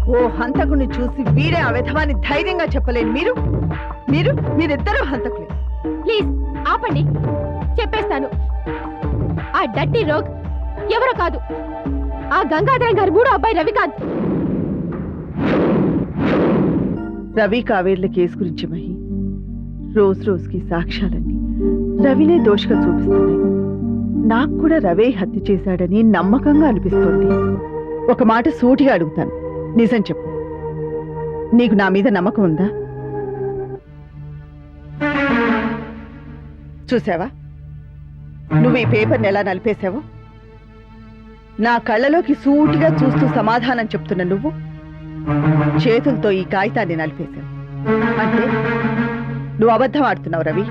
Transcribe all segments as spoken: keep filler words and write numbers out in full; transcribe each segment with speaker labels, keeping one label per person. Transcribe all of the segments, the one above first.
Speaker 1: ఓ హంతకుని చూసి వీడే ఆ విధవాన్ని ధైర్యంగా చెప్పలేను. మీరు మీరు మీరిద్దరూ హంతకులే.
Speaker 2: ప్లీజ్ ఆపండి, చెప్పేస్తాను. ఆ డట్టి రోగ్ ఎవరో కాదు, ఆ గంగాధరం గారి మూడో అబ్బాయి రవికాంత్.
Speaker 1: రవి కావేర్ల కేసు గురించి మహి, రోజు రోజుకి సాక్ష్యాలన్నీ రవినే దోషగా చూపిస్తున్నాయి. నాకు కూడా రవే హత్య చేశాడని నమ్మకంగా అనిపిస్తోంది. ఒక మాట సూటిగా అడుగుతాను, నిజం చెప్పు, నీకు నా మీద నమ్మకం ఉందా? చూసావా నువ్వు ఈ పేపర్ని ఎలా నలిపేశావో? నా కళ్ళలోకి సూటిగా చూస్తూ సమాధానం చెప్తున్న నువ్వు చేతులతో ఈ కాగితాన్ని నలిపేశావు. అంటే నువ్వు అబద్ధం ఆడుతున్నావు రవి.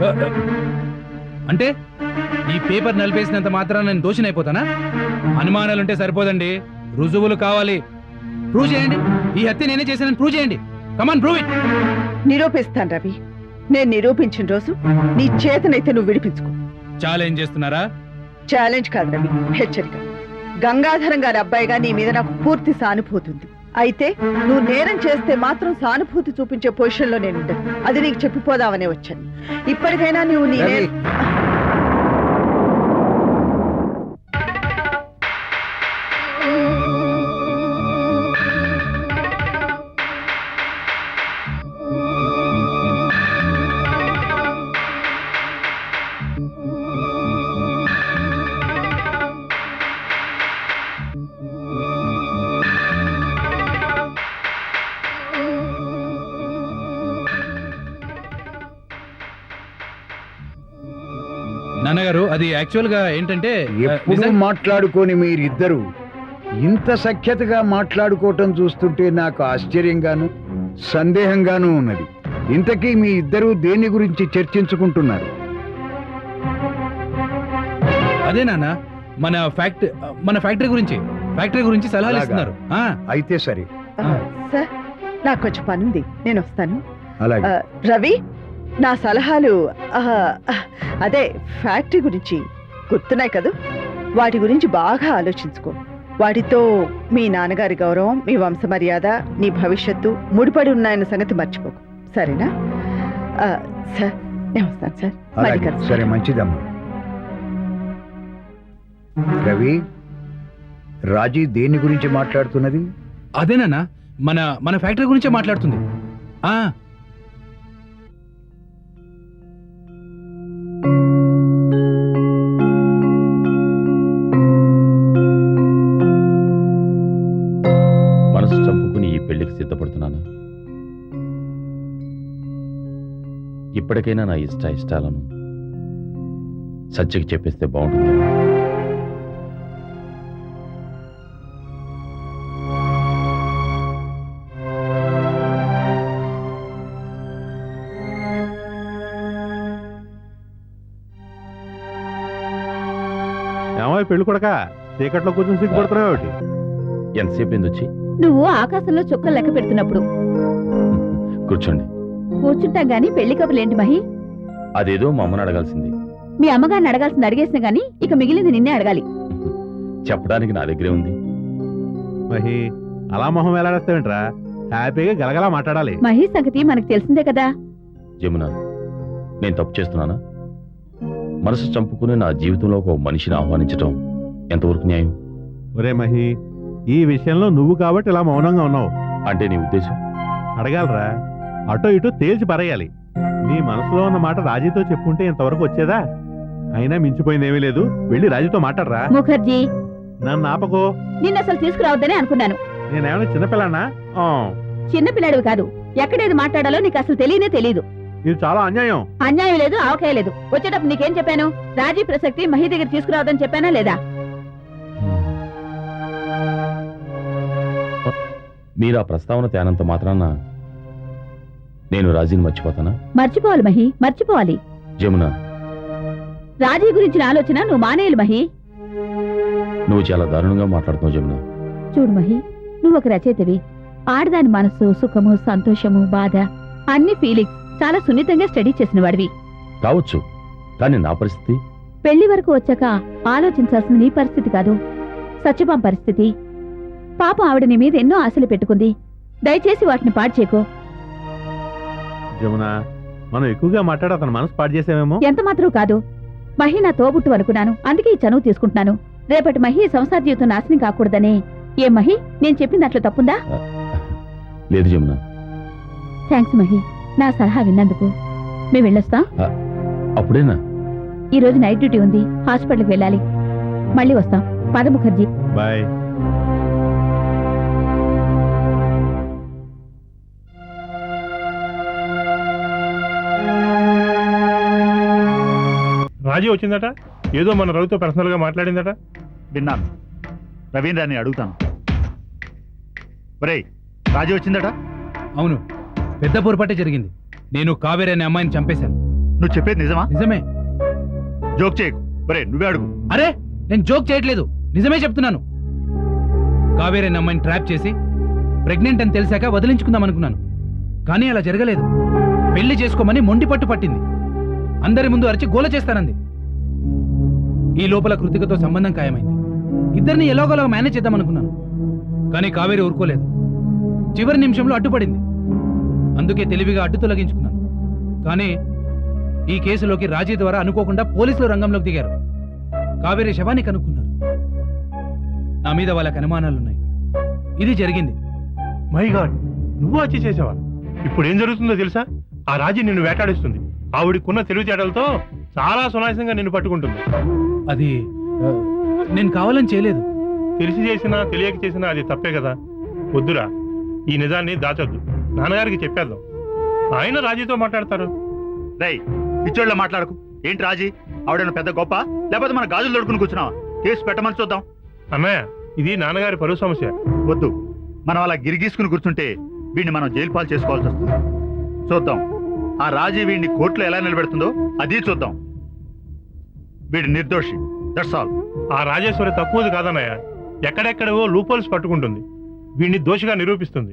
Speaker 3: అంటే ఈ పేపర్ నలిపేసినంత మాత్రాన నేను దోషినైపోతానా? అనుమానాలుంటే సరిపోదండి, రుజువులు కావాలి. ప్రూవ్ చేయండి, ఈ హత్య నేనే చేశానని ప్రూవ్ చేయండి. Come on prove it.
Speaker 1: నిరూపిస్తాను రవి. నేను నిరూపించిన రోజు నీ చేతనైతే నువ్వు విడిపించుకో.
Speaker 3: ఛాలెంజ్ చేస్తున్నారా?
Speaker 1: ఛాలెంజ్ కాదు రవి, హెచ్చరిక. గంగాధరం గారి అబ్బాయిగా నీ మీద నాకు పూర్తి సానుభూతి ఉంది. అయితే నువ్వు నేరం చేస్తే మాత్రం సానుభూతి చూపించే పొజిషన్ లో నేను ఉంటాను. అది నీకు చెప్పిపోదామనే వచ్చాను. ఇప్పటికైనా నువ్వు నీ
Speaker 3: నాన్నగారు, అది యాక్చువల్ గా ఏంటంటే,
Speaker 4: ఎప్పుడు మాట్లాడుకొని మీరిద్దరు ఇంత సఖ్యతగా మాట్లాడుకోవటం చూస్తుంటే నాకు ఆశ్చర్యంగాను సందేహంగాను ఉన్నది. ఇంతకీ మీ ఇద్దరు దేని గురించి చర్చించుకుంటున్నారు?
Speaker 3: అదే నాన్న, మన ఫ్యాక్టరీ మన ఫ్యాక్టరీ గురించి ఫ్యాక్టరీ గురించి సలహాలు ఇస్తున్నారు.
Speaker 4: అయితే సరే.
Speaker 1: సార్, నాకు కొంచెం పని ఉంది, నేను వస్తాను.
Speaker 4: అలాగే.
Speaker 1: రవి, నా సలహాలు అదే ఫ్యాక్టరీ గురించి గుర్తున్నాయి కదా, వాటి గురించి బాగా ఆలోచించుకో. వాటితో మీ నాన్నగారి గౌరవం, మీ వంశ మర్యాద, నీ భవిష్యత్తు ముడిపడి ఉన్నాయన్న సంగతి మర్చిపోకు, సరేనా? సార్, నేను వస్తాను సార్.
Speaker 4: అలాగే, సరే, మంచిదమ్మా. రవి, రాజీ దేని గురించి మాట్లాడుతున్నది?
Speaker 3: అదేనా, మన మన ఫ్యాక్టరీ గురించే మాట్లాడుతుంది. ఆ
Speaker 5: మనసు చంపుకుని ఈ పెళ్లికి సిద్ధపడుతున్నానా? ఇప్పటికైనా నా ఇష్ట ఇష్టాలను సత్యకి చెప్పేస్తే బాగుంటుంది.
Speaker 6: ఏమో పెళ్లి కొడక చీకట్లో కూర్చొని సిగ్గుపడుతున్నావు.
Speaker 5: ఎంతసేపు ఏంది వచ్చి?
Speaker 2: నువ్వు ఆకాశంలో చుక్కలు లెక్క పెడుతున్నప్పుడు.
Speaker 5: కూర్చోండి.
Speaker 2: కూర్చుంటాం గానీ పెళ్లి కబుర్లేంటి మహి?
Speaker 5: అదేదో మా అమ్మని అడగాల్సింది.
Speaker 2: మీ అమ్మగారిని అడగాల్సింది అడిగేసిన గానీ ఇక మిగిలింది నిన్నే అడగాలి.
Speaker 5: చెప్పడానికి నా దగ్గరే ఉంది.
Speaker 6: మహి, అలా మొహం వేలాడేస్తావేంట్రా? హ్యాపీగా గలగలా మాట్లాడాలి.
Speaker 2: మహి సంగతి మనకు తెలిసిందే కదా.
Speaker 5: జమున, నేను తప్పు చేస్తున్నానా? మనసు చంపుకుని నా జీవితంలో ఒక మనిషిని ఆహ్వానించటం ఎంతవరకు న్యాయం?
Speaker 6: ఒరే మహి, ఈ విషయంలో నువ్వు కాబట్టి ఇలా మౌనంగా ఉన్నావు.
Speaker 5: అంటే నీ ఉద్దేశం?
Speaker 6: అడగాలరా, అటో ఇటో తేల్చి పరేయాలి. నీ మనసులో ఉన్న మాట రాజీతో చెప్పుంటే ఇంతవరకు వచ్చేదా? అయినా మించిపోయిందేమీ లేదు, వెళ్ళి రాజీతో మాట్లాడరా.
Speaker 2: ముఖర్జీ,
Speaker 6: నన్ను ఆపకో.
Speaker 2: నిన్న అసలు తీసుకురావద్దని అనుకున్నాను.
Speaker 6: నేనేమైనా చిన్నపిల్లనా?
Speaker 2: చిన్నపిల్లాడు కాదు. ఎక్కడేది మాట్లాడాలో నీకు అసలు తెలియనే తెలీదు.
Speaker 6: ఇది చాలా అన్యాయం.
Speaker 2: అన్యాయం లేదు, ఆవకాయ లేదు. వచ్చేటప్పుడు నీకేం చెప్పాను? రాజీ ప్రసక్తి మహి దగ్గర తీసుకురావద్దని చెప్పానా లేదా?
Speaker 5: మీరు ఆ ప్రస్తావన తేనంత మాత్రాన నేను రాజీని మర్చిపోతానా?
Speaker 2: మర్చిపోవాలి మహి, మర్చిపోవాలి.
Speaker 5: జమున,
Speaker 2: రాజీ గురించిన ఆలోచన నువ్వు మానేయాలి మహి.
Speaker 5: నువ్వు చాలా దారుణంగా మాట్లాడుతున్నావు జమున.
Speaker 2: చూడు మహి, నువ్వు ఒక రచయితవి. ఆడదాని మనసు, సుఖము, సంతోషము, బాధ, అన్ని ఫీలింగ్స్ చాలా సున్నితంగా స్టడీ చేసిన వాడివి
Speaker 5: కావచ్చు. కానీ నా పరిస్థితి?
Speaker 2: పెళ్లి వరకు వచ్చాక ఆలోచించాల్సిన నీ పరిస్థితి కాదు, సత్యభామ పరిస్థితి. పాపం ఆవిడ నీ మీద ఎన్నో ఆశలు పెట్టుకుంది. దయచేసి వాటిని పాడు చేయకు.
Speaker 6: జమున, మనం ఎక్కువగా మాట్లాడి అతను మనసు పాడు చేసామేమో.
Speaker 2: ఎంత మాత్రం కాదు. మహి నా తోబుట్టు అనుకున్నాను, అందుకే ఈ చనువు తీసుకుంటున్నాను. రేపటి మహి సంసార జీవితం నాశనం కాకూడదని. ఏ మహి, నేను చెప్పింది అట్లా తప్పుందా?
Speaker 5: లేదు జమున.
Speaker 2: థ్యాంక్స్ మహి, నా సలహా విన్నందుకు. మేము వెళ్ళొస్తాం.
Speaker 5: అప్పుడేనా?
Speaker 2: ఈ రోజు నైట్ డ్యూటీ ఉంది, హాస్పిటల్కి వెళ్ళాలి. మళ్ళీ వస్తాం. పద ముఖర్జీ.
Speaker 6: బాయ్.
Speaker 7: రాజీ వచ్చిందట, ఏదో మన రవితో పర్సనల్ గా మాట్లాడిందట.
Speaker 8: విన్నాను. రవీంద్రాన్ని అడుగుతాను. ఒరేయ్, రాజీ వచ్చిందట?
Speaker 3: అవును, పెద్ద పొరపాటే జరిగింది. నేను కావేరి అనే అమ్మాయిని చంపేశాను.
Speaker 8: నువ్వు చెప్పేది నిజమా?
Speaker 3: నిజమే.
Speaker 8: జోక్ చేయకు. ఒరే, నువ్వే అడుగు.
Speaker 3: అరే, నేను జోక్ చేయట్లేదు, నిజమే చెప్తున్నాను. కావేరి అనే అమ్మాయిని ట్రాప్ చేసి ప్రెగ్నెంట్ అని తెలిసాక వదిలించుకుందాం అనుకున్నాను. కానీ అలా జరగలేదు. పెళ్లి చేసుకోమని మొండి పట్టు పట్టింది. అందరి ముందు అరిచి గోల చేస్తానంది. ఈ లోపల కృతికతో సంబంధం ఖాయమైంది. ఇద్దరిని ఎలాగోలా మేనేజ్ చేద్దామనుకున్నాను. కానీ కావేరి ఊరుకోలేదు. చివరి నిమిషంలో అడ్డుపడింది. అందుకే తెలివిగా అడ్డు తొలగించుకున్నాను. కానీ ఈ కేసులోకి రాజీ ద్వారా అనుకోకుండా పోలీసులు రంగంలోకి దిగారు. కావేరి శవాన్ని కనుక్కున్నారు. నా మీద వాళ్ళకి అనుమానాలున్నాయి. ఇది జరిగింది.
Speaker 7: మై గాడ్, నువ్వు వచ్చి చేసావా? ఇప్పుడు ఏం జరుగుతుందో తెలుసా? ఆ రాజీ నిన్ను వేటాడిస్తుంది. ఆవిడికున్న తెలివితేటలతో చాలా సునాయాసంగా నిన్ను పట్టుకుంటుంది.
Speaker 3: అది ఆ, నేను కావాలని చేయలేదు.
Speaker 7: తెలిసి చేసినా తెలియక చేసినా అది తప్పే కదా. వద్దురా, ఈ నిజాన్ని దాచొద్దు. నాన్నగారికి చెప్పేద్దాం, ఆయన రాజీతో మాట్లాడతారు.
Speaker 8: రేయ్, పిచ్చోళ్ళ మాట్లాడకు. ఏంటి రాజీ? ఆవిడను పెద్ద గొప్ప, లేకపోతే మన గాజులు దొడుకుని కూర్చున్నావా? కేసు పెట్టమని చూద్దాం.
Speaker 7: అన్నయ్య, ఇది నాన్నగారి పరువు సమస్య.
Speaker 8: వద్దు, మనం అలా గిరిగీసుకుని కూర్చుంటే వీడిని మనం జైలు పాలు చేసుకోవాల్సి వస్తుంది. చూద్దాం ఆ రాజీ వీడిని కోర్టులో ఎలా నిలబెడుతుందో, అది చూద్దాం. వీడి నిర్దోషి, దట్స్ ఆల్.
Speaker 7: ఆ రాజేశ్వరి తక్కువది కాదన్నయ్య. ఎక్కడెక్కడవో లూపోల్స్ పట్టుకుంటుంది. వీడిని దోషిగా నిరూపిస్తుంది.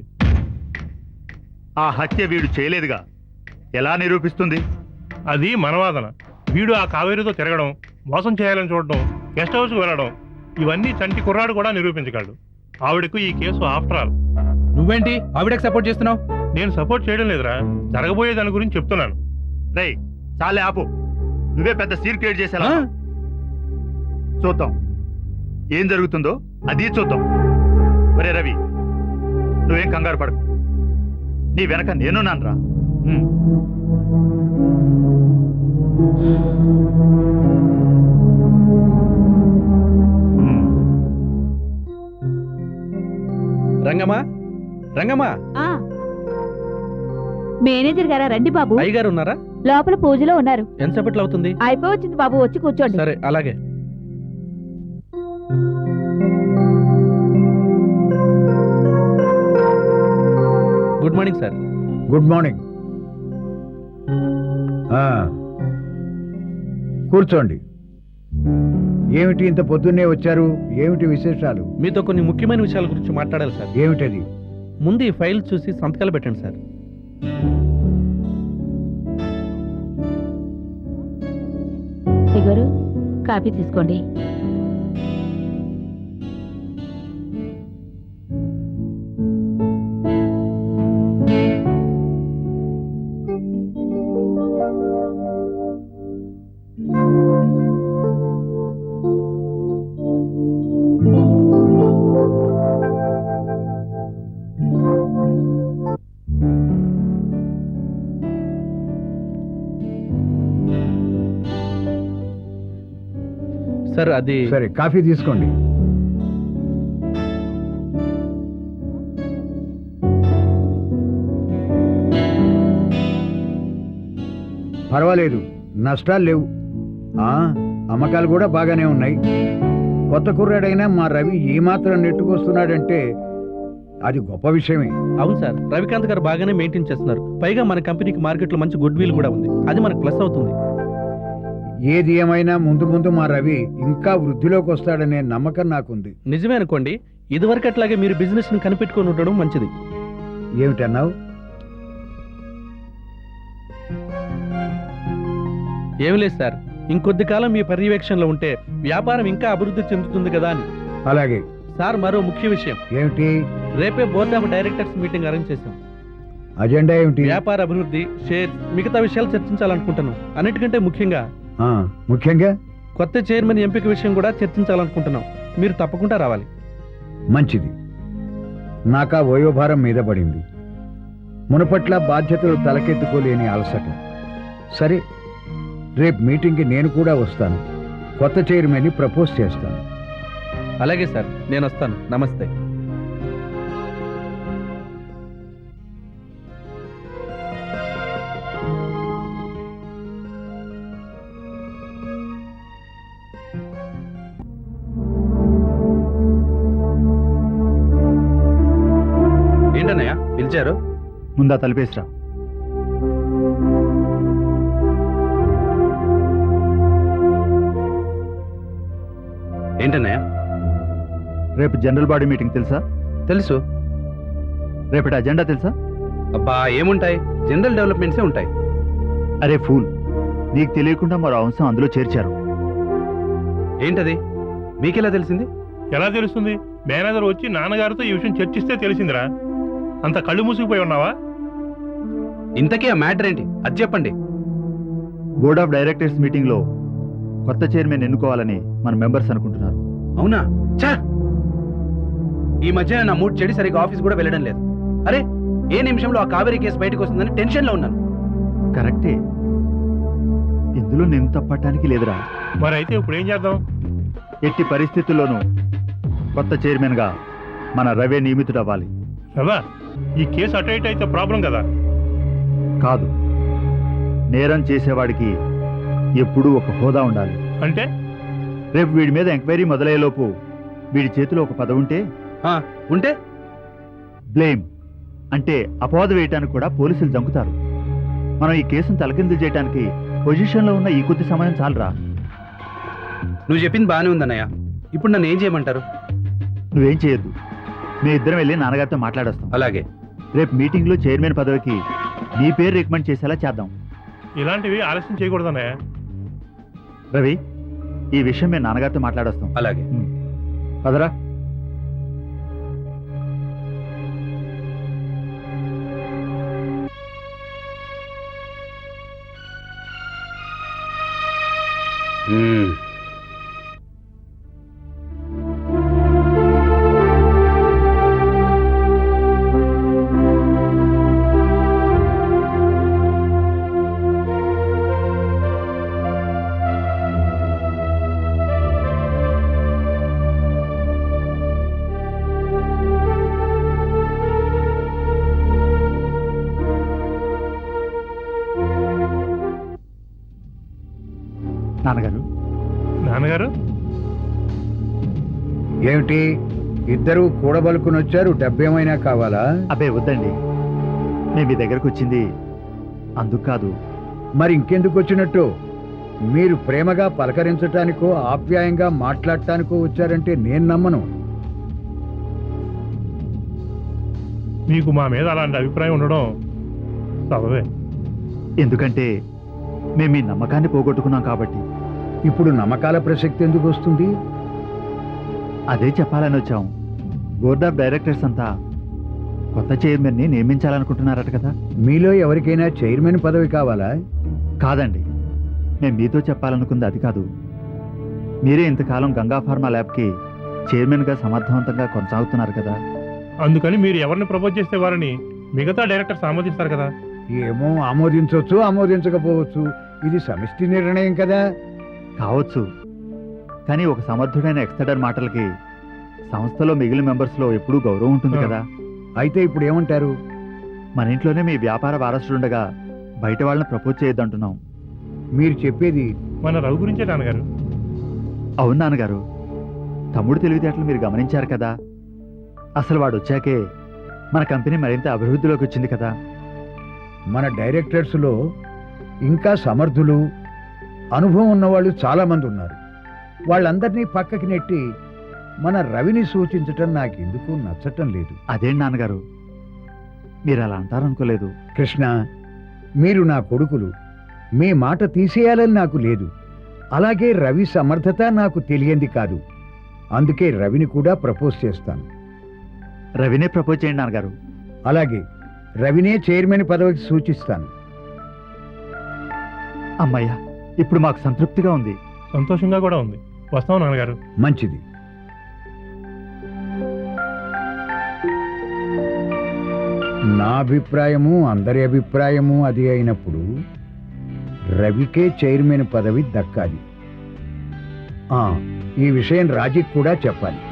Speaker 8: ఆ హత్య వీడు చేయలేదుగా, ఎలా నిరూపిస్తుంది?
Speaker 7: అది మనవాదన. వీడు ఆ కావేరితో తిరగడం, మోసం చేయాలని చూడడం, గెస్ట్ హౌస్కి వెళ్ళడం, ఇవన్నీ చంటి కుర్రాడు కూడా నిరూపించగలడు. ఆవిడకు ఈ కేసు ఆఫ్టర్ ఆల్.
Speaker 3: నువ్వేంటి ఆవిడకి సపోర్ట్ చేస్తున్నావు?
Speaker 7: నేను సపోర్ట్ చేయడం లేదురా, జరగబోయే దాని గురించి చెప్తున్నాను.
Speaker 8: రేయ్, చాలే ఆపు. నువ్వే పెద్ద సీన్ క్రియేట్ చేసేలా.
Speaker 3: ఆ?
Speaker 8: చూద్దాం ఏం జరుగుతుందో, అది చూద్దాం. ఒరే రవి, నువ్వేం కంగారు పడకు. నీ వెనక నేనున్నానురా. ఉమ్. ఉమ్.
Speaker 9: రంగమ్మా, రంగమ్మా,
Speaker 2: మేనేజర్ గారా? రండి బాబు.
Speaker 9: అయ్యగారు ఉన్నారా?
Speaker 2: లోపల పూజలో ఉన్నారు.
Speaker 9: ఎంతసేపట్లో అవుతుంది?
Speaker 2: అయిపోవచ్చింది బాబు, వచ్చి కూర్చోండి.
Speaker 9: సరే, అలాగే. Good morning sir.
Speaker 4: Good morning. ఆ, కూర్చోండి. ఏమిటి ఇంత పొద్దున్నే వచ్చారు? ఏమిటి విశేషాలు?
Speaker 9: మీతో కొన్ని ముఖ్యమైన విషయాల గురించి మాట్లాడాలి సార్.
Speaker 4: ఏమిటది?
Speaker 9: ముందు ఈ ఫైల్ చూసి సంతకాలు పెట్టండి సార్.
Speaker 2: గారు, కాఫీ తీసుకోండి.
Speaker 9: సార్ అది
Speaker 4: సరే, కాఫీ తీసుకోండి. పర్వాలేదు, నష్టాలు లేవు. ఆ, అమ్మకాలు కూడా బాగానే ఉన్నాయి. కొత్త కుర్రాడైనా మా రవి ఏమాత్రం నెట్టుకొస్తున్నాడంటే అది గొప్ప విషయమే.
Speaker 9: అవును సార్, రవికాంత్ గారు బాగానే మెయింటైన్ చేస్తున్నారు. పైగా మన కంపెనీకి మార్కెట్లో మంచి గుడ్ విల్ కూడా ఉంది. అది మనకు ప్లస్ అవుతుంది.
Speaker 4: ఏది ఏమైనా ముందు ముందు మా రవి ఇంకా వృద్ధిలోకి వస్తాడనే నమ్మకం నాకుంది.
Speaker 9: నిజమే అనుకోండి. ఇదివరకు అట్లాగే మీరు బిజినెస్ ని కనిపెట్టుకొని ఉండడం మంచిది.
Speaker 4: ఏమిటన్నావు?
Speaker 9: ఏమి లేదు సార్, ఇంకొద్ది కాలం మీ పర్యవేక్షణలో ఉంటే వ్యాపారం ఇంకా అభివృద్ధి చెందుతుంది కదా అని.
Speaker 4: అలాగే.
Speaker 9: సార్ మరో ముఖ్య విషయం,
Speaker 4: ఏమిటి
Speaker 9: రేపే board of directors meeting arrange చేశాం.
Speaker 4: అజెండా ఏమిటి?
Speaker 9: వ్యాపార అభివృద్ధి, షేర్, మిగతా విషయాలు చర్చించాలనుకుంటున్నాం. అన్నిటికంటే ముఖ్యంగా
Speaker 4: ఆ, ముఖ్యంగా
Speaker 9: కొత్త చైర్మన్ ఎంపిక విషయం కూడా చర్చించాలనుకుంటున్నాం. మీరు తప్పకుండా రావాలి.
Speaker 4: మంచిది. నాకా వయోభారం మీద పడింది. మునుపట్ల బాధ్యతలు తలకెత్తుకోలేని అలసట. సరే, రేపు మీటింగ్కి నేను కూడా వస్తాను. కొత్త చైర్మన్ని ప్రపోజ్ చేస్తాను.
Speaker 9: అలాగే సార్, నేను వస్తాను. నమస్తే. ఏంటన్నయ్య పిలిచారు?
Speaker 8: ముందా తలిపేసిరా.
Speaker 9: ఏంటన్నయ్య?
Speaker 8: రేపు జనరల్ బాడీ మీటింగ్ తెలుసా?
Speaker 9: తెలుసు.
Speaker 8: రేపటి అజెండా తెలుసా?
Speaker 9: అబ్బా ఏముంటాయి, జనరల్ డెవలప్మెంట్సే ఉంటాయి.
Speaker 8: అరే ఫూల్, నీకు తెలియకుండా మరో అంశం అందులో చేర్చారు.
Speaker 9: ఏంటది? మీకెలా తెలిసింది?
Speaker 7: ఎలా తెలుస్తుంది? మేనేజర్ వచ్చి నాన్నగారితో ఈ విషయం చర్చిస్తే తెలిసిందిరా. అంత కళ్ళు మూసుకుపోయి ఉన్నావా?
Speaker 9: ఇంతకీ ఆ మ్యాటర్ ఏంటి? అది చెప్పండి.
Speaker 8: బోర్డ్ ఆఫ్ డైరెక్టర్స్ మీటింగ్ లో కొత్త చైర్మన్ ఎన్నుకోవాలని మన మెంబర్స్ అనుకుంటున్నారు.
Speaker 9: అవునా? చా, ఈ మధ్య నా మూడ్ చెడి సరిగ్గా ఆఫీస్ కూడా వెళ్ళడం లేదు. అరే, ఏ నిమిషంలో ఆ కావేరీ కేసు బయటకు వస్తుందని టెన్షన్ లో ఉన్నాను.
Speaker 8: కరెక్టే, ఇందులో నేను తప్పటానికి లేదురా.
Speaker 7: మరి అయితే ఇప్పుడు ఏం చేద్దాం?
Speaker 8: ఎట్టి పరిస్థితుల్లోనూ కొత్త చైర్మన్ గా మన రవే నియమితుడు అవ్వాలి.
Speaker 7: రవా, ఈ కేసు అటు ఇటు అయితే ప్రాబ్లం కదా.
Speaker 8: కాదు, నేరం చేసేవాడికి ఎప్పుడూ ఒక హోదా ఉండాలి.
Speaker 7: అంటే
Speaker 8: రేపు వీడి మీద ఎంక్వైరీ మొదలయ్యేలోపు వీడి చేతిలో ఒక పదవి ఉంటే
Speaker 9: ఆ, ఉంటే
Speaker 8: బ్లేమ్ అంటే అపవాదు వేయటానికి కూడా పోలీసులు జంకుతారు. మనం ఈ కేసును తలకిందులు చేయడానికి పొజిషన్లో ఉన్న ఈ కొద్ది సమయం చాలరా.
Speaker 9: నువ్వు చెప్పింది బాగానే ఉందన్నయ్య. ఇప్పుడు నన్ను ఏం చేయమంటారు?
Speaker 8: నువ్వేం చేయొద్దు, మీ ఇద్దరం వెళ్ళి నాన్నగారితో మాట్లాడొస్తాం.
Speaker 9: అలాగే.
Speaker 8: రేపు మీటింగ్లో చైర్మన్ పదవికి నీ పేరు రికమెండ్ చేసేలా చేద్దాం.
Speaker 7: ఇలాంటివి ఆలస్యం చేయకూడదన్నయ్య.
Speaker 8: రవి, ఈ విషయం మేము నాన్నగారితో మాట్లాడొస్తాం.
Speaker 9: అలాగే.
Speaker 8: పదరా.
Speaker 9: మ్మ్.
Speaker 8: నాన్నగారు.
Speaker 7: నాన్నగారు
Speaker 4: ఏమిటి ఇద్దరు కూడబలుకుని వచ్చారు? డబ్బేమైనా కావాలా?
Speaker 8: అబ్బే వద్దండి, మేము మీ దగ్గరకు వచ్చింది అందుకు కాదు.
Speaker 4: మరి ఇంకెందుకు వచ్చినట్టు? మీరు ప్రేమగా పలకరించటానికో ఆప్యాయంగా మాట్లాడటానికో వచ్చారంటే నేను నమ్మను.
Speaker 7: మీకు మా మీద అలాంటి అభిప్రాయం ఉండడం సబబే.
Speaker 8: ఎందుకంటే మేము మీ నమ్మకాన్ని పోగొట్టుకున్నాం కాబట్టి.
Speaker 4: ఇప్పుడు నమ్మకాల ప్రసక్తి ఎందుకు వస్తుంది?
Speaker 8: అదే చెప్పాలని వచ్చాం. బోర్డ్ ఆఫ్ డైరెక్టర్స్ అంతా కొత్త చైర్మన్ని నియమించాలనుకుంటున్నారట కదా.
Speaker 4: మీలో ఎవరికైనా చైర్మన్ పదవి కావాలా?
Speaker 8: కాదండి, మేము మీతో చెప్పాలనుకుంది అది కాదు. మీరే ఇంతకాలం గంగా ఫార్మా ల్యాబ్కి చైర్మన్గా సమర్థవంతంగా కొనసాగుతున్నారు కదా.
Speaker 7: అందుకని మీరు ఎవరిని ప్రపోజ్ చేస్తే వారిని మిగతా డైరెక్టర్స్ ఆమోదిస్తారు కదా.
Speaker 4: ఏమో, ఆమోదించవచ్చు ఆమోదించకపోవచ్చు. ఇది సమిష్టి నిర్ణయం కదా.
Speaker 8: కావచ్చు, కానీ ఒక సమర్థుడైన ఎక్స్టర్డర్ మాటలకి సంస్థలో మిగిలిన మెంబర్స్లో ఎప్పుడూ గౌరవం ఉంటుంది కదా.
Speaker 4: అయితే ఇప్పుడు ఏమంటారు?
Speaker 8: మన ఇంట్లోనే మీ వ్యాపార వారసుడుండగా బయట వాళ్ళని ప్రపోజ్ చేయొద్దంటున్నాం.
Speaker 4: మీరు చెప్పేది
Speaker 7: మన రవి గురించే నాన్నగారు.
Speaker 8: అవును నాన్నగారు, తమ్ముడు తెలివితేటలు మీరు గమనించారు కదా. అసలు వాడు వచ్చాకే మన కంపెనీ మరింత అభివృద్ధిలోకి వచ్చింది కదా.
Speaker 4: మన డైరెక్టర్స్లో ఇంకా సమర్థులు, అనుభవం ఉన్నవాళ్ళు చాలామంది ఉన్నారు. వాళ్ళందరినీ పక్కకి నెట్టి మన రవిని సూచించటం నాకెందుకు నచ్చటం లేదు.
Speaker 8: అదేంటి నాన్నగారు, మీరు అలా అంటారనుకోలేదు.
Speaker 4: కృష్ణ, మీరు నా కొడుకులు, మీ మాట తీసేయాలని నాకు లేదు. అలాగే రవి సమర్థత నాకు తెలియంది కాదు. అందుకే రవిని కూడా ప్రపోజ్ చేస్తాను.
Speaker 8: రవినే ప్రపోజ్ చేయండి నాన్నగారు.
Speaker 4: అలాగే రవినే చైర్మన్ పదవికి సూచిస్తాను.
Speaker 8: అమ్మయ్య, ఇప్పుడు మాకు సంతృప్తిగా ఉంది.
Speaker 7: సంతోషంగా కూడా ఉంది. వస్తాం నాన్నగారు.
Speaker 4: మంచిది. నా అభిప్రాయము అందరి అభిప్రాయము అది అయినప్పుడు రవికే చైర్మన్ పదవి దక్కాలి. ఆ, ఈ విషయం రాజీకి కూడా చెప్పాలి.